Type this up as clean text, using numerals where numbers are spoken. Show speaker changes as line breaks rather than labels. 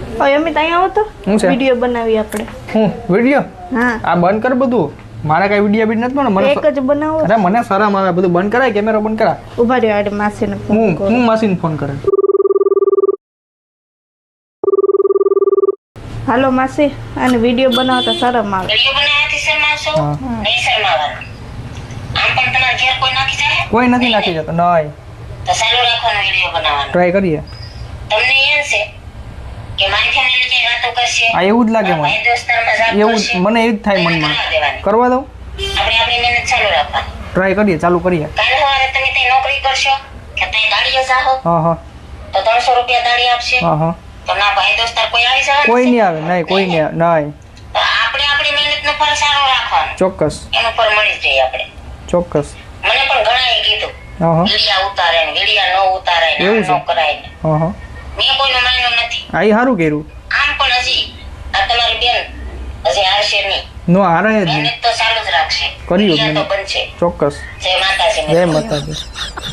ઓય અમિત અહીંયા આવો તો
શું છે?
વિડિયો બનાવી આપણે.
હું વિડિયો?
હા
આ બંધ કર બધું. મારા કઈ વિડિયો બીટ નથી પણ મને
એક જ બનાવો.
અરે મને શરમ આવે બધું બંધ કરાય કેમેરો બંધ કરા.
ઉભા રહ્યો આડે માસીને ફોન કરો.
હું માસીને ફોન કરે.
હાલો માસી અને વિડિયો બનાવતા શરમ આવે.
વિડિયો બનાવવાથી શરમાવશો?
હા.
નહીં શરમાવાનું. આમ પણ તમારા ઘેર કોઈ નાખી જાય?
કોઈ નથી નાખી જતો. નહીં.
તો ચાલુ રાખવાનો વિડિયો બનાવવાનો.
ટ્રાય કરીએ.
તમને એમ છે કે મારી ફેમિલી કઈ વાતો કરશે?
આ એવું જ લાગે મને.
ભાઈ દોસ્તારમાં જાત
એવું
કરશે?
મને એવું જ થાય
તો એને
મનમાં.
કરવા દેવાની.
કરવા દઉં?
આપણે આપણી મહેનત ચાલુ રાખવાની.
ટ્રાય કરીએ, ચાલુ કરીએ.
કાલ સવારે તમે ત્યાં નોકરી કરશો કે ત્યાં દાડીએ જાઓ
હા હા
તો 300 રૂપિયા દાડી આપશે.
હા હા.
તો ના ભાઈ દોસ્તાર કોઈ આવી જવાનું
કોઈ
છે?
નહીં આવે. નહીં કોઈ નહીં આવે. નહીં.
તો આપણે આપણી મહેનતનું ફળ સારું રાખવાનું.
ચોક્કસ
એનું ફળ મળી જ જાય આપણે.
ચોક્કસ.
મને પણ ઘણાએ કીધું
હા હા
વિડિયા ઉતારે ને વિડિયા ન ઉતારે ને
એવું
આમ
છે?
ન કરાય ને.
હા હા.
મેં કોઈનું માન્યું નથી.
આ ઈ સારું કર્યું.
આમ પણ હજી આ તમારી બેન હજી આવશે નહીં.
નો હારાય જ નહીં.
મહેનત તો ચાલુ જ રાખશે.
કર્યું જ
વિડિયા તો
નહીં.
બનશે.
ચોક્કસ.
જય માતાજી.
જય માતાજી.